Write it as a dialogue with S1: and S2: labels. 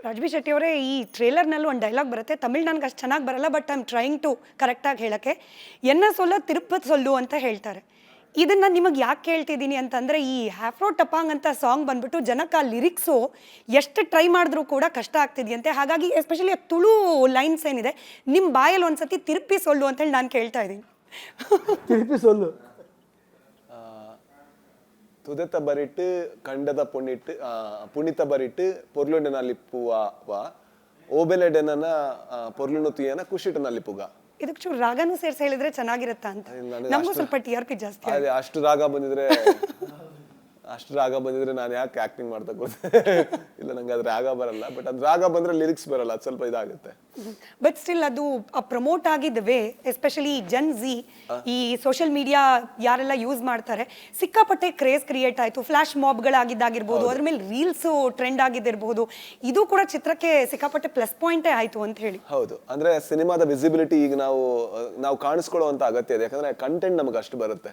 S1: ರಾಜ್ಬಿ ಶೆಟ್ಟಿ ಅವರೇ ಈ ಟ್ರೇಲರ್ನಲ್ಲಿ ಒಂದು ಡೈಲಾಗ್ ಬರುತ್ತೆ ತಮಿಳ್ ನನಗೆ ಅಷ್ಟು ಚೆನ್ನಾಗಿ ಬರಲ್ಲ but I am trying to ಕರೆಕ್ಟಾಗಿ ಹೇಳೋಕ್ಕೆ ಎನ್ನ ಸೊಲ್ಲ ತಿರುಪತಿ ಸೊಲ್ಲು ಅಂತ ಹೇಳ್ತಾರೆ. ಇದನ್ನ ನಿಮಗೆ ಯಾಕೆ ಕೇಳ್ತಿದ್ದೀನಿ ಅಂತಂದರೆ ಈ ಹ್ಯಾಫ್ರೋ ಟಪಾಂಗ್ ಅಂತ ಸಾಂಗ್ ಬಂದ್ಬಿಟ್ಟು ಜನಕ್ಕೆ ಆ ಲಿರಿಕ್ಸು ಎಷ್ಟು ಟ್ರೈ ಮಾಡಿದ್ರೂ ಕೂಡ ಕಷ್ಟ ಆಗ್ತಿದೆಯಂತೆ. ಹಾಗಾಗಿ ಎಸ್ಪೆಷಲಿ ಆ ತುಳು ಲೈನ್ಸ್ ಏನಿದೆ ನಿಮ್ಮ ಬಾಯಲ್ಲಿ ಒಂದ್ಸತಿ ತಿರುಪಿ ಸೊಲ್ಲು ಅಂತೇಳಿ ನಾನು ಕೇಳ್ತಾ ಇದ್ದೀನಿ.
S2: திருப்பி சொல்லு.
S3: ತುದೆತ ಬರಿಟ್ಟು ಕಂಡದ ಪುಣ್ಣಿಟ್ಟು ಪುಣಿತ ಬರಿಟ್ಟು ಪೊರ್ಲುಂಡೆ ಲಿಪ್ಪುವ ಓಬೆಲೆಡೆನ ಪೊರ್ಲುನು ತುಯ್ಯನ ಕುಶಿಟ ನಲ್ಲಿಪುಗ.
S1: ಇದಕ್ಕೆ ಚೂರು ರಾಗನೂ ಸೇರಿಸಿ ಹೇಳಿದ್ರೆ ಚೆನ್ನಾಗಿರುತ್ತಾ ಅಂತ. ನಮಗೂ ಸ್ವಲ್ಪ TRP ಜಾಸ್ತಿ.
S3: ಅದೇ ಅಷ್ಟು ರಾಗ ಬಂದಿದ್ರೆ ನಾನು ಯಾಕೆ ಆಕ್ಟಿಂಗ್ ಮಾಡ್ತಾ ಕೂತೆ. ಇಲ್ಲ ನಂಗೆ ಅದು ರಾಗ ಬರಲ್ಲ, ಬಟ್ ಅದು ರಾಗ ಬಂದ್ರೆ ಲಿರಿಕ್ಸ್ ಬರಲ್ಲ, ಅದು ಸ್ವಲ್ಪ ಇದಾಗುತ್ತೆ.
S1: ಬಟ್ ಸ್ಟಿಲ್ ಅದು ಪ್ರಮೋಟ್ ಆಗಿದ್ದ ವೇ ಎಸ್ಪೆಷಲಿ ಜನ್ ಝಿ ಈ ಸೋಷಿಯಲ್ ಮೀಡಿಯಾ ಯಾರೆಲ್ಲ ಯೂಸ್ ಮಾಡ್ತಾರೆ ಸಿಕ್ಕಾಪಟ್ಟೆ ಕ್ರೇಜ್ ಕ್ರಿಯೇಟ್ ಆಯಿತು. ಫ್ಲಾಶ್ ಮಾಬ್ಗಳಾಗಿದ್ದಾಗಿರ್ಬೋದು, ಅದ್ರ ಮೇಲೆ ರೀಲ್ಸು ಟ್ರೆಂಡ್ ಆಗಿದ್ದಿರ್ಬೋದು. ಇದು ಕೂಡ ಚಿತ್ರಕ್ಕೆ ಸಿಕ್ಕಾಪಟ್ಟೆ ಪ್ಲಸ್ ಪಾಯಿಂಟೇ ಆಯಿತು ಅಂತ ಹೇಳಿ.
S3: ಹೌದು, ಅಂದ್ರೆ ಸಿನಿಮಾದ ವಿಸಿಬಿಲಿಟಿ ಈಗ ನಾವು ಕಾಣಿಸ್ಕೊಳ್ಳುವಂತ ಅಗತ್ಯ ಇದೆ. ಯಾಕಂದ್ರೆ ಕಂಟೆಂಟ್ ನಮಗೆ ಅಷ್ಟು ಬರುತ್ತೆ.